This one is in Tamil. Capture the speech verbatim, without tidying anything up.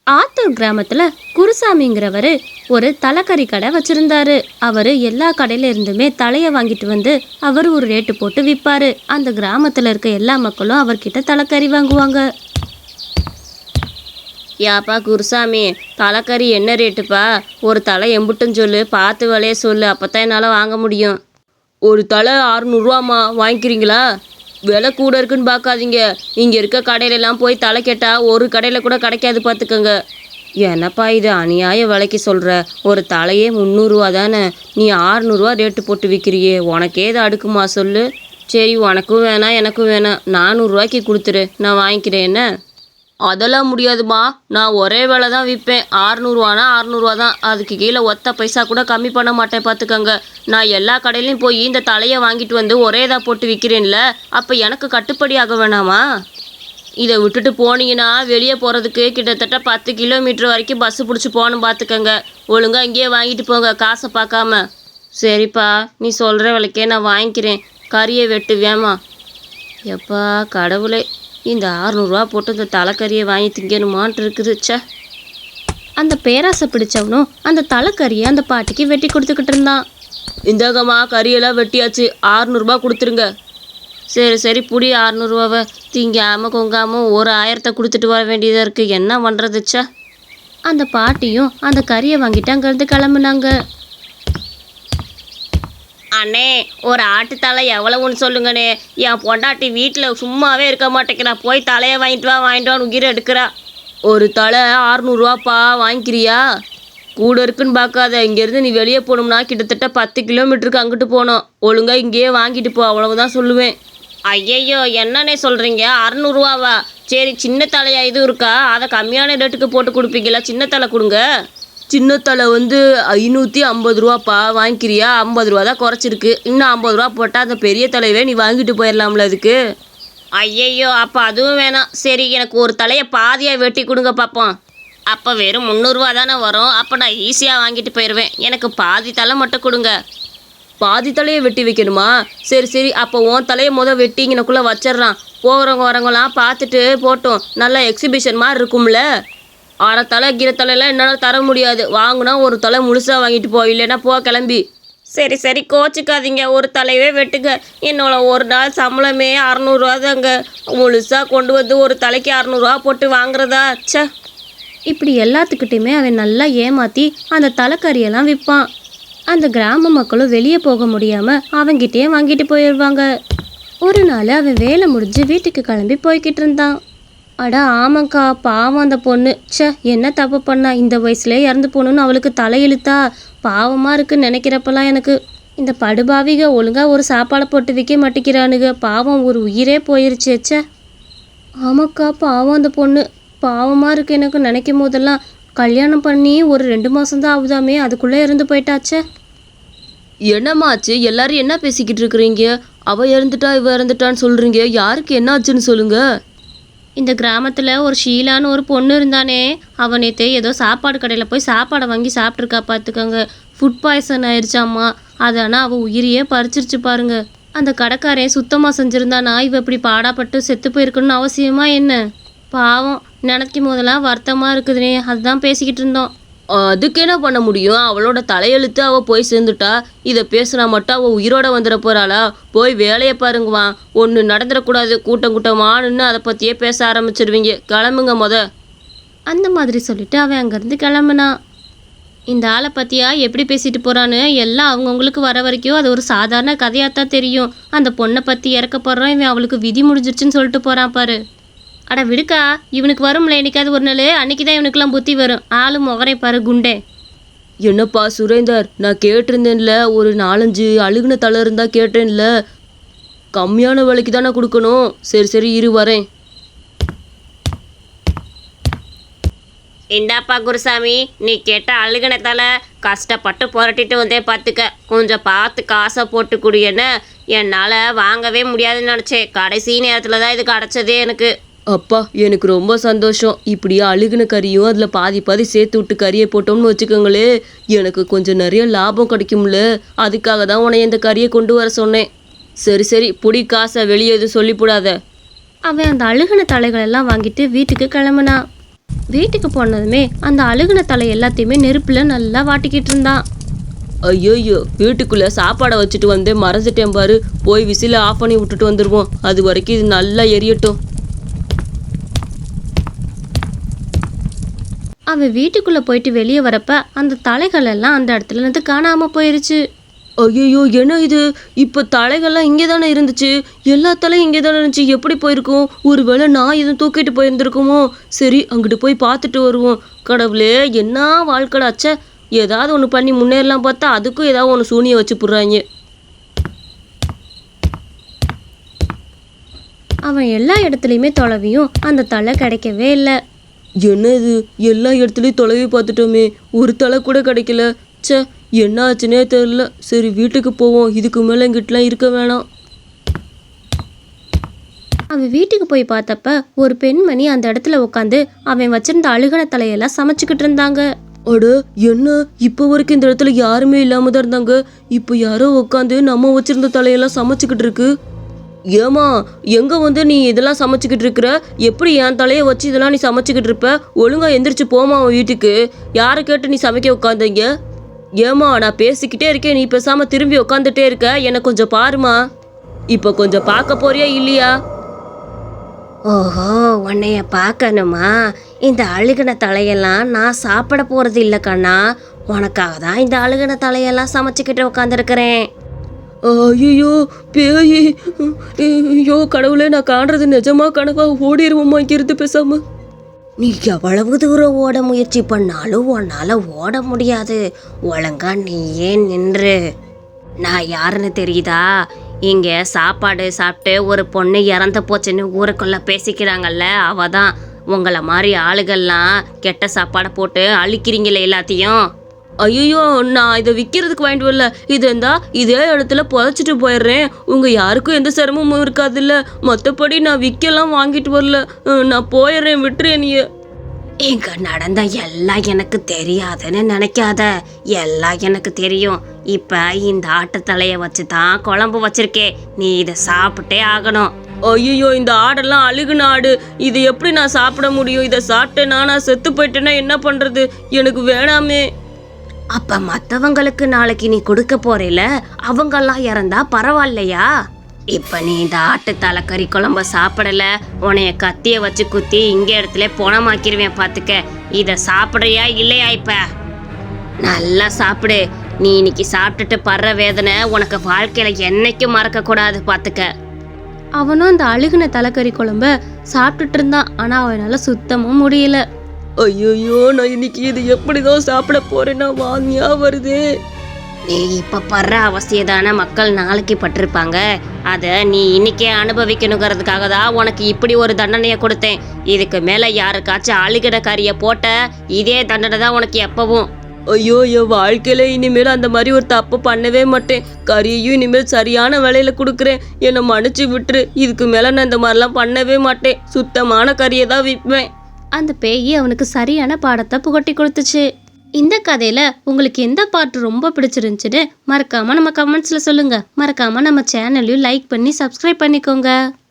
ஆத்தூர் கிராமத்துல குருசாமிங்கிறவரு ஒரு தலைக்கறி கடை வச்சிருந்தாரு. அவரு எல்லா கடையில இருந்துமே தலையை வாங்கிட்டு வந்து அவர் ஒரு ரேட்டு போட்டு விற்பாரு. அந்த கிராமத்துல இருக்க எல்லா மக்களும் அவர்கிட்ட தலைக்கறி வாங்குவாங்க. யாப்பா குருசாமி, தலைக்கறி என்ன ரேட்டுப்பா? ஒரு தலை எம்புட்டுன்னு சொல்லு, பார்த்து விலைய சொல்லு, அப்பதான் என்னால் வாங்க முடியும். ஒரு தலை அறுநூறுவாம்மா, வாங்கிக்கிறீங்களா? விலை கூட இருக்குன்னு பார்க்காதீங்க. இங்கே இருக்க கடையிலலாம் போய் தலை கேட்டால் ஒரு கடையில் கூட கிடைக்காது, பார்த்துக்கோங்க. என்னப்பா இது அநியாய விலைக்கு சொல்கிற? ஒரு தலையே முந்நூறுரூவா தானே, நீ ஆறுநூறுவா ரேட்டு போட்டு விற்கிறியே, உனக்கே இது அடுக்குமா சொல்லு. சரி, உனக்கும் வேணாம் எனக்கும் வேணாம், நானூறுரூவாய்க்கு கொடுத்துரு, நான் வாங்கிக்கிறேன். என்ன? அதெல்லாம் முடியாதுமா, நான் ஒரே விலை தான் விற்பேன். ஆறுநூறுவானா ஆறுநூறுவா தான், அதுக்கு கீழே ஒத்த பைசா கூட கம்மி பண்ண மாட்டேன், பார்த்துக்கோங்க. நான் எல்லா கடையிலையும் போய் இந்த தலையை வாங்கிட்டு வந்து ஒரே இதாக போட்டு விற்கிறேன்ல, அப்போ எனக்கு கட்டுப்படி ஆக வேணாமா? இதை விட்டுட்டு போனீங்கன்னா வெளியே போகிறதுக்கு கிட்டத்தட்ட பத்து கிலோமீட்டர் வரைக்கும் பஸ்ஸு பிடிச்சி போகணும், பார்த்துக்கோங்க. ஒழுங்காக இங்கேயே வாங்கிட்டு போங்க, காசை பார்க்காம. சரிப்பா, நீ சொல்கிற விலைக்கே நான் வாங்கிக்கிறேன். கறியை வெட்டு வேமா. எப்பா கடவுளே, இந்த ஆறுநூறுவா போட்டு இந்த தலைக்கறியை வாங்கி திங்கணுமான்ட்டு இருக்குதுச்சா. அந்த பேராசை பிடிச்சவனும் அந்த தலைக்கறியை அந்த பாட்டிக்கு வெட்டி கொடுத்துக்கிட்டு இருந்தான். இந்தாங்கம்மா, கறியெல்லாம் வெட்டியாச்சு, ஆறுநூறுபா கொடுத்துருங்க. சரி சரி, புடி ஆறுநூறுவாவை. திங்காமல் கொங்காமல் ஒரு ஆயிரத்தை கொடுத்துட்டு வர வேண்டியதாக இருக்குது, என்ன பண்ணுறதுச்சா. அந்த பாட்டியும் அந்த கறியை வாங்கிட்டு அங்கேருந்து கிளம்புனாங்க. அண்ணே, ஒரு ஆட்டுத்தலை எவ்வளவுன்னு சொல்லுங்கண்ணே. என் பொண்டாட்டி வீட்டில் சும்மாவே இருக்க மாட்டேங்கிறா, போய் தலையை வாங்கிட்டு வா வாங்கிட்டு வான்னு உயிரை எடுக்கிறா. ஒரு தலை ஆறுநூறுவாப்பா, வாங்கிக்கிறியா? கூட இருக்குன்னு பார்க்காத, இங்கேருந்து நீ வெளியே போகணும்னா கிட்டத்தட்ட பத்து கிலோமீட்டருக்கு அங்கிட்டு போகணும். ஒழுங்காக இங்கேயே வாங்கிட்டு போ, அவ்வளவுதான் சொல்லுவேன். ஐயையோ, என்னன்னே சொல்கிறீங்க? அறநூறுவாவா? சரி, சின்ன தலையா இது இருக்கா? அதை கம்மியான ரேட்டுக்கு போட்டு கொடுப்பீங்களா? சின்ன தலை கொடுங்க. சின்ன தலை வந்து ஐநூற்றி ஐம்பது ரூபாப்பா, வாங்கிக்கிறியா? ஐம்பது ரூபா தான் குறைச்சிருக்கு, இன்னும் ஐம்பது ரூபா போட்டால் அந்த பெரிய தலையவே நீ வாங்கிட்டு போயிடலாம்ல அதுக்கு. ஐயையோ, அப்போ அதுவும் வேணாம். சரி, எனக்கு ஒரு தலையை பாதியாக வெட்டி கொடுங்க பார்ப்போம். அப்போ வெறும் முந்நூறுரூவா தானே வரும், அப்போ நான் ஈஸியாக வாங்கிட்டு போயிடுவேன். எனக்கு பாதி தலை மட்டும் கொடுங்க. பாதி தலையை வெட்டி வைக்கணுமா? சரி சரி, அப்போ உன் தலையை முதல் வெட்டி இங்கனக்குள்ளே வச்சிட்றான். போகிறவங்க வரவங்களாம் பார்த்துட்டு போட்டோம், நல்லா எக்ஸிபிஷன் மாதிரி இருக்கும்ல. அரை தலை கீரை தலையெல்லாம் என்னால் தர முடியாது, வாங்கினா ஒரு தலை முழுசாக வாங்கிட்டு போ, இல்லைன்னா போ கிளம்பி. சரி சரி, கோச்சிக்காதீங்க, ஒரு தலையவே வெட்டுங்க. என்னோட ஒரு நாள் சம்பளமே அறநூறுவா தாங்க, முழுசாக கொண்டு வந்து ஒரு தலைக்கு அறநூறுவா போட்டு வாங்குறதா? ச்சே. இப்படி எல்லாத்துக்கிட்டையுமே அவன் நல்லா ஏமாற்றி அந்த தலைக்கறியெல்லாம் விற்பான். அந்த கிராம மக்களும் வெளியே போக முடியாமல் அவன்கிட்டயே வாங்கிட்டு போயிடுவாங்க. ஒரு நாள் அவன் வேலை முடிஞ்சு வீட்டுக்கு கிளம்பி போய்கிட்டு இருந்தான். அட ஆமாக்கா, பாவம் அந்த பொண்ணு. ச்சே, என்ன தப்பு பண்ணா? இந்த வயசுல இறந்து போகணுன்னு அவளுக்கு தலையெழுத்தா? பாவமாக இருக்குன்னு நினைக்கிறப்பெல்லாம் எனக்கு இந்த படுபாவிக ஒழுங்காக ஒரு சாப்பாடை போட்டு விற்க மாட்டேங்கிறானுங்க. பாவம், ஒரு உயிரே போயிருச்சு. ச்சே. ஆமாக்கா, பாவம் அந்த பொண்ணு. பாவமாக இருக்குது எனக்கு நினைக்கும் போதெல்லாம். கல்யாணம் பண்ணி ஒரு ரெண்டு மாதம்தான் ஆகுதாமே, அதுக்குள்ளே இறந்து போயிட்டாச்சே. என்னம்மாச்சு? எல்லாரும் என்ன பேசிக்கிட்டு இருக்கிறீங்க? அவள் இறந்துட்டா இவ இறந்துட்டான்னு சொல்கிறீங்க, யாருக்கு என்ன ஆச்சுன்னு சொல்லுங்க. இந்த கிராமத்தில் ஒரு ஷீலான்னு ஒரு பொண்ணு இருந்தானே, அவன் நேற்று ஏதோ சாப்பாடு கடையில் போய் சாப்பாடை வாங்கி சாப்பிட்ருக்கா, பார்த்துக்கோங்க. ஃபுட் பாய்சன் ஆயிடுச்சாம்மா. அது ஆனால் அவள் உயிரியே பறிச்சிருச்சு பாருங்க. அந்த கடைக்காரன் சுத்தமாக செஞ்சுருந்தானா இவ இப்படி பாடாப்பட்டு செத்து போயிருக்கணும்னு அவசியமா என்ன? பாவம், நினைக்கும் போதெல்லாம் வருத்தமாக இருக்குதுனே, அதுதான் பேசிக்கிட்டு இருந்தோம். அதுக்கு என்ன பண்ண முடியும்? அவளோட தலையெழுத்து அவள் போய் சேர்ந்துட்டா. இதை பேசுனா மட்டும் அவள் உயிரோட வந்துட போகிறாளா? போய் வேலையை பாருங்கவா, ஒன்று நடந்துடக்கூடாது. கூட்டம் கூட்டமானுன்னு அதை பற்றியே பேச ஆரம்பிச்சிடுவீங்க, கிளம்புங்க முத. அந்த மாதிரி சொல்லிட்டு அவன் அங்கேருந்து கிளம்புனான். இந்த ஆளை பற்றியா எப்படி பேசிட்டு போகிறான்னு எல்லாம் அவங்கவுங்களுக்கு வர வரைக்கும் அது ஒரு சாதாரண கதையாக தான் தெரியும். அந்த பொண்ணை பற்றி இறக்க போடுறான், இவன் அவளுக்கு விதி முடிஞ்சிருச்சுன்னு சொல்லிட்டு போகிறான் பாரு. அட விடுக்கா, இவனுக்கு வரும்ல என்னைக்காவது ஒரு நாள், அன்னைக்கு தான் இவனுக்கெல்லாம் புத்தி வரும். ஆளு முகரை பாரு, குண்டே. என்னப்பா சுரேந்தர், நான் கேட்டிருந்தேன்ல, ஒரு நாலஞ்சு அழுகுன தலை இருந்தால் கேட்டேன்ல, கம்மியான விலைக்கு தானே கொடுக்கணும். சரி சரி, இரு வரேன். இந்தாப்பா குருசாமி, நீ கேட்ட அழுகுன தலை கஷ்டப்பட்டு புரட்டிட்டு வந்தே, பார்த்துக்க. கொஞ்சம் பார்த்து காசை போட்டு குடியேன்னு. என்னால் வாங்கவே முடியாதுன்னு நினச்சேன், கடைசி நேரத்தில் தான் இது கிடச்சதே எனக்கு. அப்பா, எனக்கு ரொம்ப சந்தோஷம். இப்படியே அழுகுன கறியும் அதில் பாதி பாதி சேர்த்து விட்டு கறியை போட்டோம்னு வச்சுக்கோங்களே, எனக்கு கொஞ்சம் நிறைய லாபம் கிடைக்கும்ல. அதுக்காக தான் உன்னை இந்த கறியை கொண்டு வர சொன்னேன். சரி சரி, புடி காசை, வெளியே எதுவும் சொல்லிவிடாத. அவன் அந்த அழுகுன தலைகளெல்லாம் வாங்கிட்டு வீட்டுக்கு கிளம்புனான். வீட்டுக்கு போனதுமே அந்த அழுகுன தலை எல்லாத்தையுமே நெருப்புல நல்லா வாட்டிக்கிட்டு இருந்தான். ஐயோயோ, வீட்டுக்குள்ள சாப்பாடை வச்சுட்டு வந்து மறைஞ்சிட்டேன் பாரு. போய் விசில ஆஃப் பண்ணி விட்டுட்டு வந்துடுவோம். அது வரைக்கும் இது நல்லா எரியட்டும். அவன் வீட்டுக்குள்ள போயிட்டு வெளியே வரப்ப அந்த தலைகள் எல்லாம் அந்த இடத்துல இருந்து காணாம போயிருச்சு. ஐயோ, என்ன இது? இப்போ தலைகள்லாம் இங்கே தானே இருந்துச்சு. எல்லா தலையும் இங்கே தானே இருந்துச்சு. எப்படி போயிருக்கும்? ஒருவேளை நான் எதுவும் தூக்கிட்டு போயிருந்துருக்குமோ? சரி, அங்கிட்டு போய் பார்த்துட்டு வருவோம். கடவுளே, என்ன வாழ்க்கடாச்சே. ஏதாவது ஒன்று பண்ணி முன்னேறலாம் பார்த்தா அதுக்கும் ஏதாவது ஒன்று சூனியை வச்சு போடுறாங்க. அவன் எல்லா இடத்துலையுமே தொலைவியும் அந்த தலை கிடைக்கவே இல்லை. என்ன இது? எல்லா இடத்துலையும் தொலைவி பார்த்துட்டோமே, ஒரு தலை கூட கிடைக்கல. ச்சே, என்ன ஆச்சுன்னே தெரில. சரி, வீட்டுக்கு போவோம். இதுக்கு மேலே இங்கிட்டலாம் இருக்க வேணாம். அவன் வீட்டுக்கு போய் பார்த்தப்ப ஒரு பெண்மணி அந்த இடத்துல உட்காந்து அவன் வச்சிருந்த அழுகன தலையெல்லாம் சமைச்சுக்கிட்டு இருந்தாங்க. அட, என்ன இப்போ வரைக்கும் இந்த இடத்துல யாருமே இல்லாம தான் இருந்தாங்க. இப்போ யாரோ உட்காந்து நம்ம வச்சிருந்த தலையெல்லாம் சமைச்சுக்கிட்டு இருக்கு. ஏமா, எங்க வந்து நீ இதெல்லாம் சமைச்சுக்கிட்டு இருக்கிற? எப்படி என் தலையை வச்சு இதெல்லாம் நீ சமைச்சுக்கிட்டு இருப்ப? ஒழுங்கா எந்திரிச்சு போமா அவன் வீட்டுக்கு. யாரை கேட்டு நீ சமைக்க உட்காந்தீங்க? ஏமா, நான் பேசிக்கிட்டே இருக்கேன், நீ பேசாம திரும்பி உட்காந்துட்டே இருக்க. எனக்கு கொஞ்சம் பாருமா. இப்போ கொஞ்சம் பார்க்க போறியா இல்லையா? ஓஹோ, உன்னைய பார்க்கணுமா? இந்த அழுகின தலையெல்லாம் நான் சாப்பிட போறது இல்லை கண்ணா. உனக்காக தான் இந்த அழுகின தலையெல்லாம் சமைச்சுக்கிட்டு உட்காந்துருக்கிறேன். ஐயோ, பேயி. ஐயோ கடவுளே, நான் காண்றது நிஜமா கனவா? ஓடிடுவோமா இங்கிருந்து பேசாம? நீ எவ்வளவு தூரம் ஓட முயற்சி பண்ணாலும் உன்னால ஓட முடியாது. ஒழுங்கா நீ ஏன் நின்று. நான் யாருன்னு தெரியுதா? இங்க சாப்பாடு சாப்பிட்டு ஒரு பொண்ணு இறந்து போச்சுன்னு ஊருக்குள்ள பேசிக்கிறாங்கல்ல, அவ தான். உங்களை மாதிரி ஆளுகள்லாம் கெட்ட சாப்பாடை போட்டு அழிக்கிறீங்களே எல்லாத்தையும். ஐயோ, நான் இதை விற்கிறதுக்கு வாங்கிட்டு வரல. இது இருந்தா இதே இடத்துல புதைச்சிட்டு போயிடுறேன். உங்க யாருக்கும் எந்த சிரமமும் இருக்காதுல்ல. மற்றபடி நான் விற்கலாம் வாங்கிட்டு வரல. நான் போயிடுறேன், விட்டுறேன் நீ. இங்க நடந்த எல்லாம் எனக்கு தெரியாதுன்னு நினைக்காத. எல்லாம் எனக்கு தெரியும். இப்ப இந்த ஆட்டு தலைய வச்சு தான் குழம்பு வச்சிருக்கே. நீ இதை சாப்பிட்டே ஆகணும். ஐயோ, இந்த ஆடெல்லாம் அழுகுன ஆடு. இது எப்படி நான் சாப்பிட முடியும்? இதை சாப்பிட்டேன்னா நான் செத்து போயிட்டேன்னா என்ன பண்றது? எனக்கு வேணாமே. அப்ப மற்றவங்களுக்கு நாளைக்கு நீ கொடுக்க போறேல, அவங்கெல்லாம் இறந்தா பரவாயில்லையா? இப்ப நீ இந்த ஆட்டு தலைக்கறி குழம்ப சாப்பிடல, உன்னைய கத்திய வச்சு குத்தி இங்க இடத்துல போனமாக்கிருவேன் பாத்துக்க. இத சாப்பிடுறியா இல்லையா? இப்ப நல்லா சாப்பிடு. நீ இன்னைக்கு சாப்பிட்டுட்டு படுற வேதனை உனக்கு வாழ்க்கையில என்னைக்கும் மறக்க கூடாது பாத்துக்க. அவனும் அந்த அழுகுன தலைக்கறி குழம்ப சாப்பிட்டுட்டு இருந்தான். ஆனா அவனால சுத்தமும் முடியல. ஐயோ, நான் இன்னைக்கு இது எப்படிதான் சாப்பிட போறேன்னா வாந்தியா வருது. நீ இப்ப படுற அவசியதான மக்கள் நாளைக்கு பட்டிருப்பாங்க. அத நீ இன்னைக்கே அனுபவிக்கணுங்கிறதுக்காக தான் உனக்கு இப்படி ஒரு தண்டனையை கொடுத்தேன். இதுக்கு மேல யாருக்காச்சும் அழுகின கறிய போட்ட இதே தண்டனை தான் உனக்கு எப்பவும். ஐயோ, என் வாழ்க்கையில இனிமேல் அந்த மாதிரி ஒரு தப்பு பண்ணவே மாட்டேன். கறியையும் இனிமேல் சரியான விலையில கொடுக்குறேன். என்னை மன்னிச்சு விட்டுரு. இதுக்கு மேல நான் இந்த மாதிரிலாம் பண்ணவே மாட்டேன். சுத்தமான கறியை தான் விற்பேன். அந்த பேய் அவனுக்கு சரியான பாடத்தை புகட்டி கொடுத்துச்சு. இந்த கதையில உங்களுக்கு எந்த பாட்டு ரொம்ப பிடிச்சிருந்துச்சுன்னு மறக்காம நம்ம கமெண்ட்ஸ்ல சொல்லுங்க. மறக்காம நம்ம சேனலையும் லைக் பண்ணி சப்ஸ்கிரைப் பண்ணிக்கோங்க.